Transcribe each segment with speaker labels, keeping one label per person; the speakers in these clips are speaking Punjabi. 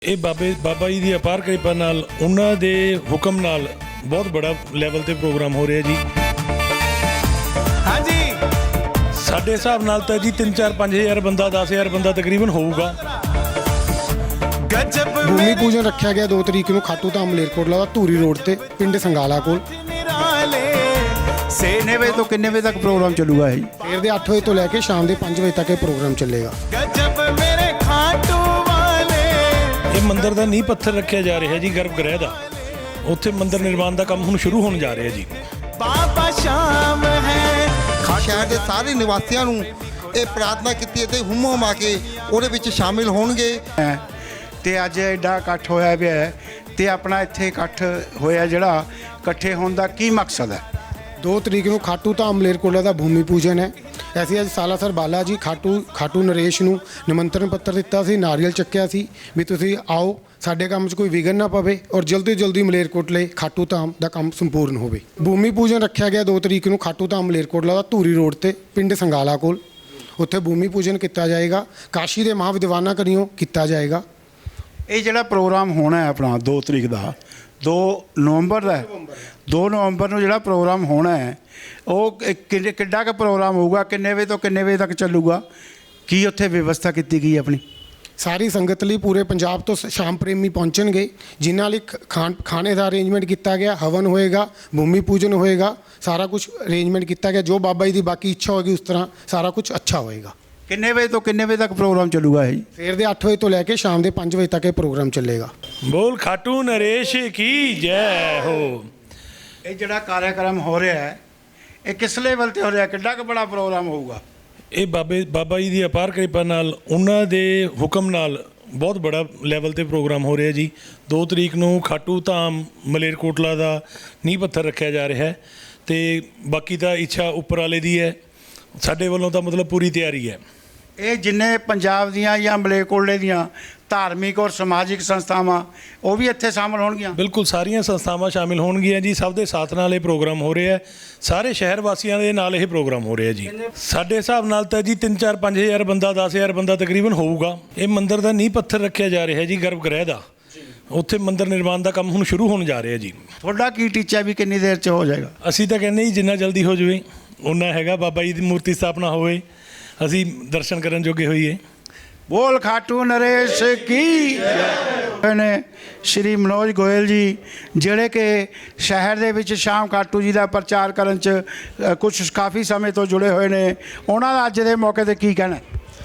Speaker 1: ਇਹ ਬਾਬਾ ਜੀ ਦੀ ਅਪਾਰ ਕਿਰਪਾ ਨਾਲ ਉਹਨਾਂ ਦੇ ਹੁਕਮ ਨਾਲ ਬਹੁਤ ਬੜਾ ਲੈਵਲ ਤੇ ਪ੍ਰੋਗਰਾਮ ਹੋ ਰਿਹਾ ਜੀ।
Speaker 2: ਹਾਂਜੀ
Speaker 1: ਸਾਡੇ ਹਿਸਾਬ ਨਾਲ ਤਾਂ ਜੀ 3-4-5000 ਬੰਦਾ 10000 ਬੰਦਾ ਤਕਰੀਬਨ ਹੋਊਗਾ।
Speaker 2: ਗਜਬ
Speaker 3: ਭੂਮੀ ਪੂਜਨ ਰੱਖਿਆ ਗਿਆ 2 ਤਰੀਕ ਨੂੰ ਖਾਟੂ ਧਾਮ ਮਲੇਰਕੋਟਲਾ ਦਾ ਧੂਰੀ ਰੋਡ ਤੇ ਪਿੰਡ ਸੰਗਾਲਾ ਕੋਲ।
Speaker 2: ਕਿੰਨੇ ਵਜੇ ਤੋਂ ਕਿੰਨੇ ਵਜੇ ਤੱਕ ਪ੍ਰੋਗਰਾਮ ਚੱਲੂਗਾ ਇਹ?
Speaker 3: ਸਵੇਰ ਦੇ 8 ਵਜੇ ਤੋਂ ਲੈ ਕੇ ਸ਼ਾਮ ਦੇ 5 ਵਜੇ ਤੱਕ ਇਹ ਪ੍ਰੋਗਰਾਮ ਚੱਲੇਗਾ।
Speaker 2: ਗਜਬ ਮੇਰੇ ਖਾਟੂ ਵਾਲੇ।
Speaker 1: ਇਹ ਮੰਦਿਰ ਦਾ ਨੀਂਹ ਪੱਥਰ ਰੱਖਿਆ ਜਾ ਰਿਹਾ ਜੀ ਗਰਭ ਗ੍ਰਹਿ ਦਾ। ਉੱਥੇ ਮੰਦਿਰ ਨਿਰਮਾਣ ਦਾ ਕੰਮ ਹੁਣ ਸ਼ੁਰੂ ਹੋਣ ਜਾ ਰਿਹਾ ਜੀ।
Speaker 2: ਬਾਬਾ ਸ਼ਾਮ ਹੈ।
Speaker 4: ਸ਼ਹਿਰ ਦੇ ਸਾਰੇ ਨਿਵਾਸੀਆਂ ਨੂੰ ਇਹ ਪ੍ਰਾਰਥਨਾ ਕੀਤੀ ਅਤੇ ਹੁਮ ਹੁਮਾ ਕੇ ਉਹਦੇ ਵਿੱਚ ਸ਼ਾਮਿਲ ਹੋਣਗੇ।
Speaker 5: ਤੇ ਅੱਜ ਐਡਾ ਇਕੱਠ ਹੋਇਆ ਪਿਆ ਹੈ ਤੇ ਆਪਣਾ ਇੱਥੇ ਇਕੱਠ ਹੋਇਆ ਜਿਹੜਾ ਇਕੱਠੇ ਹੋਣ ਦਾ ਕੀ ਮਕਸਦ ਹੈ?
Speaker 3: 2 ਤਰੀਕ ਨੂੰ ਖਾਟੂ ਧਾਮ ਮਲੇਰਕੋਟਲਾ ਦਾ ਭੂਮੀ ਪੂਜਨ ਹੈ। ਅਸੀਂ ਅੱਜ ਸਾਲਾਸਰ ਬਾਲਾ ਜੀ ਖਾਟੂ ਨਰੇਸ਼ ਨੂੰ ਨਿਮੰਤਰਣ ਪੱਤਰ ਦਿੱਤਾ ਸੀ, ਨਾਰੀਅਲ ਚੱਕਿਆ ਸੀ ਵੀ ਤੁਸੀਂ ਆਓ, ਸਾਡੇ ਕੰਮ 'ਚ ਕੋਈ ਵਿਘਨ ਨਾ ਪਵੇ ਔਰ ਜਲਦੀ ਜਲਦੀ ਮਲੇਰਕੋਟਲੇ ਖਾਟੂ ਧਾਮ ਦਾ ਕੰਮ ਸੰਪੂਰਨ ਹੋਵੇ। ਭੂਮੀ ਪੂਜਨ ਰੱਖਿਆ ਗਿਆ 2 ਤਰੀਕ ਨੂੰ ਖਾਟੂ ਧਾਮ ਮਲੇਰਕੋਟਲਾ ਦਾ ਧੂਰੀ ਰੋਡ ਤੇ ਪਿੰਡ ਸੰਗਾਲਾ ਕੋਲ। ਉੱਥੇ ਭੂਮੀ ਪੂਜਨ ਕੀਤਾ ਜਾਏਗਾ। ਕਾਸ਼ੀ ਦੇ ਮਹਾਵਿਦਵਾਨਾਂ ਕਰੀਓ ਕੀਤਾ ਜਾਏਗਾ।
Speaker 5: ਇਹ ਜਿਹੜਾ ਪ੍ਰੋਗਰਾਮ ਹੋਣਾ ਹੈ ਆਪਣਾ 2 ਤਰੀਕ ਦਾ 2 ਨਵੰਬਰ ਦਾ 2 ਨਵੰਬਰ ਨੂੰ ਜਿਹੜਾ ਪ੍ਰੋਗਰਾਮ ਹੋਣਾ ਹੈ ਉਹ ਕਿੱਡਾ ਕੁ ਪ੍ਰੋਗਰਾਮ ਹੋਊਗਾ? ਕਿੰਨੇ ਵਜੇ ਤੋਂ ਕਿੰਨੇ ਵਜੇ ਤੱਕ ਚੱਲੂਗਾ? ਕੀ ਉੱਥੇ ਵਿਵਸਥਾ ਕੀਤੀ ਗਈ ਆਪਣੀ?
Speaker 3: ਸਾਰੀ ਸੰਗਤ ਲਈ ਪੂਰੇ ਪੰਜਾਬ ਤੋਂ ਸ਼ਾਮ ਪ੍ਰੇਮੀ ਪਹੁੰਚਣਗੇ, ਜਿਨ੍ਹਾਂ ਲਈ ਖਾਣੇ ਦਾ ਅਰੇਂਜਮੈਂਟ ਕੀਤਾ ਗਿਆ। ਹਵਨ ਹੋਏਗਾ, ਭੂਮੀ ਪੂਜਨ ਹੋਏਗਾ, ਸਾਰਾ ਕੁਝ ਅਰੇਂਜਮੈਂਟ ਕੀਤਾ ਗਿਆ। ਜੋ ਬਾਬਾ ਜੀ ਦੀ ਬਾਕੀ ਇੱਛਾ ਹੋਏਗੀ ਉਸ ਤਰ੍ਹਾਂ ਸਾਰਾ ਕੁਝ ਅੱਛਾ ਹੋਏਗਾ।
Speaker 5: ਕਿੰਨੇ ਵਜੇ ਤੋਂ ਕਿੰਨੇ ਵਜੇ ਤੱਕ ਪ੍ਰੋਗਰਾਮ ਚੱਲੂਗਾ ਇਹ?
Speaker 3: ਸਵੇਰ ਦੇ 8 ਵਜੇ ਤੋਂ ਲੈ ਕੇ ਸ਼ਾਮ ਦੇ 5 ਵਜੇ ਤੱਕ ਇਹ ਪ੍ਰੋਗਰਾਮ ਚੱਲੇਗਾ।
Speaker 1: ਬੋਲ ਖਾਟੂ ਨਰੇਸ਼ ਕੀ ਜੈ ਹੋ।
Speaker 5: ਇਹ ਜਿਹੜਾ ਕਾਰਿਆਕਰਮ ਹੋ ਰਿਹਾ ਹੈ ਇਹ ਕਿਸ ਲੈਵਲ ਤੇ ਹੋ ਰਿਹਾ? ਕਿੱਡਾ ਕੁ ਬੜਾ ਪ੍ਰੋਗਰਾਮ ਹੋਊਗਾ?
Speaker 1: ਇਹ ਬਾਬਾ ਜੀ ਦੀ ਅਪਾਰ ਕਿਰਪਾ ਨਾਲ ਉਹਨਾਂ ਦੇ ਹੁਕਮ ਨਾਲ ਬਹੁਤ ਬੜਾ ਲੈਵਲ ਤੇ ਪ੍ਰੋਗਰਾਮ ਹੋ ਰਿਹਾ ਜੀ। 2 ਤਰੀਕ ਨੂੰ ਖਾਟੂ ਧਾਮ ਮਲੇਰਕੋਟਲਾ ਦਾ ਨੀਂਹ ਪੱਥਰ ਰੱਖਿਆ ਜਾ ਰਿਹਾ ਹੈ ਤੇ ਬਾਕੀ ਤਾਂ ਇੱਛਾ ਉੱਪਰ ਵਾਲੇ ਦੀ ਹੈ। ਸਾਡੇ ਵੱਲੋਂ ਤਾਂ ਮਤਲਬ ਪੂਰੀ ਤਿਆਰੀ ਹੈ।
Speaker 5: ਇਹ ਜਿੰਨੇ ਪੰਜਾਬ ਦੀਆਂ ਜਾਂ ਮਲੇਰਕੋਟਲੇ ਦੀਆਂ ਧਾਰਮਿਕ ਔਰ ਸਮਾਜਿਕ ਸੰਸਥਾਵਾਂ ਉਹ ਵੀ ਇੱਥੇ ਸ਼ਾਮਲ ਹੋਣਗੀਆਂ?
Speaker 1: ਬਿਲਕੁਲ ਸਾਰੀਆਂ ਸੰਸਥਾਵਾਂ ਸ਼ਾਮਿਲ ਹੋਣਗੀਆਂ ਜੀ। ਸਭ ਦੇ ਸਾਥ ਨਾਲ ਇਹ ਪ੍ਰੋਗਰਾਮ ਹੋ ਰਿਹਾ ਹੈ। ਸਾਰੇ ਸ਼ਹਿਰ ਵਾਸੀਆਂ ਦੇ ਨਾਲ ਇਹ ਪ੍ਰੋਗਰਾਮ ਹੋ ਰਿਹਾ ਜੀ। ਸਾਡੇ ਹਿਸਾਬ ਨਾਲ ਤਾਂ ਜੀ 3-4-5000 ਬੰਦਾ 10000 ਬੰਦਾ ਤਕਰੀਬਨ ਹੋਊਗਾ। ਇਹ ਮੰਦਿਰ ਦਾ ਨੀਂਹ ਪੱਥਰ ਰੱਖਿਆ ਜਾ ਰਿਹਾ ਜੀ ਗਰਭ ਗ੍ਰਹਿ ਦਾ। ਉੱਥੇ ਮੰਦਿਰ ਨਿਰਮਾਣ ਦਾ ਕੰਮ ਹੁਣ ਸ਼ੁਰੂ ਹੋਣ ਜਾ ਰਿਹਾ ਜੀ।
Speaker 5: ਤੁਹਾਡਾ ਕੀ ਟੀਚਾ ਵੀ ਕਿੰਨੀ ਦੇਰ 'ਚ ਹੋ ਜਾਏਗਾ?
Speaker 1: ਅਸੀਂ ਤਾਂ ਕਹਿੰਦੇ ਜੀ ਜਿੰਨਾ ਜਲਦੀ ਹੋ ਜਾਵੇ ਉਨਾ ਹੈਗਾ। ਬਾਬਾ ਜੀ ਦੀ ਮੂਰਤੀ ਸਥਾਪਨਾ ਹੋਵੇ, ਅਸੀਂ ਦਰਸ਼ਨ ਕਰਨ ਜੋਗੇ ਹੋਈਏ।
Speaker 5: ਬੋਲ ਖਾਟੂ ਨਰੇਸ਼ ਕੀ ਨੇ ਸ਼੍ਰੀ ਮਨੋਜ ਗੋਇਲ ਜੀ, ਜਿਹੜੇ ਕਿ ਸ਼ਹਿਰ ਦੇ ਵਿੱਚ ਸ਼ਾਮ ਖਾਟੂ ਜੀ ਦਾ ਪ੍ਰਚਾਰ ਕਰਨ 'ਚ ਕੁਝ ਕਾਫੀ ਸਮੇਂ ਤੋਂ ਜੁੜੇ ਹੋਏ ਨੇ। ਉਹਨਾਂ ਦਾ ਅੱਜ ਦੇ ਮੌਕੇ 'ਤੇ ਕੀ ਕਹਿਣਾ?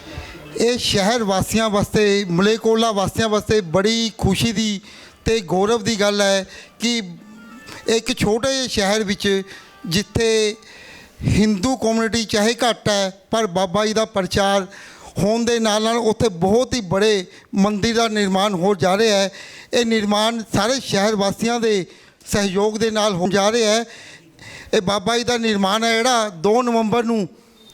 Speaker 4: ਇਹ ਸ਼ਹਿਰ ਵਾਸੀਆਂ ਵਾਸਤੇ, ਮਲੇਰਕੋਟਲਾ ਵਾਸੀਆਂ ਵਾਸਤੇ ਬੜੀ ਖੁਸ਼ੀ ਦੀ ਤੇ ਗੌਰਵ ਦੀ ਗੱਲ ਹੈ ਕਿ ਇੱਕ ਛੋਟੇ ਜਿਹੇ ਸ਼ਹਿਰ ਵਿੱਚ ਜਿੱਥੇ ਹਿੰਦੂ ਕਮਿਊਨਿਟੀ ਚਾਹੇ ਘੱਟ ਹੈ ਪਰ ਬਾਬਾ ਜੀ ਦਾ ਪ੍ਰਚਾਰ ਹੋਣ ਦੇ ਨਾਲ ਨਾਲ ਉੱਥੇ ਬਹੁਤ ਹੀ ਬੜੇ ਮੰਦਿਰ ਦਾ ਨਿਰਮਾਣ ਹੋ ਜਾ ਰਿਹਾ ਹੈ। ਇਹ ਨਿਰਮਾਣ ਸਾਰੇ ਸ਼ਹਿਰ ਵਾਸੀਆਂ ਦੇ ਸਹਿਯੋਗ ਦੇ ਨਾਲ ਹੋ ਜਾ ਰਿਹਾ ਹੈ। ਇਹ ਬਾਬਾ ਜੀ ਦਾ ਨਿਰਮਾਣ ਹੈ ਜਿਹੜਾ 2 ਨਵੰਬਰ ਨੂੰ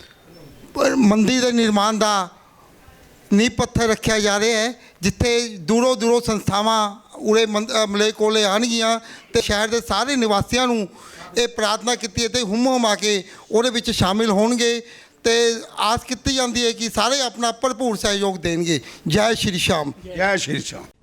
Speaker 4: ਮੰਦਿਰ ਦੇ ਨਿਰਮਾਣ ਦਾ ਨੀਂਹ ਪੱਥਰ ਰੱਖਿਆ ਜਾ ਰਿਹਾ ਹੈ, ਜਿੱਥੇ ਦੂਰੋਂ ਦੂਰੋਂ ਸੰਸਥਾਵਾਂ ਉਰੇ ਮਲੇਰਕੋਟਲੇ ਆਉਣਗੀਆਂ ਤੇ ਸ਼ਹਿਰ ਦੇ ਸਾਰੇ ਨਿਵਾਸੀਆਂ ਨੂੰ ਇਹ ਪ੍ਰਾਰਥਨਾ ਕੀਤੀ ਅਤੇ ਹੁਮ ਹੁਮਾ ਕੇ ਉਹਦੇ ਵਿੱਚ ਸ਼ਾਮਿਲ ਹੋਣਗੇ ਤੇ ਆਸ ਕੀਤੀ ਜਾਂਦੀ ਹੈ ਕਿ ਸਾਰੇ ਆਪਣਾ ਭਰਪੂਰ ਸਹਿਯੋਗ ਦੇਣਗੇ। ਜੈ ਸ਼੍ਰੀ ਸ਼ਾਮ।
Speaker 5: ਜੈ ਸ਼੍ਰੀ ਸ਼ਾਮ।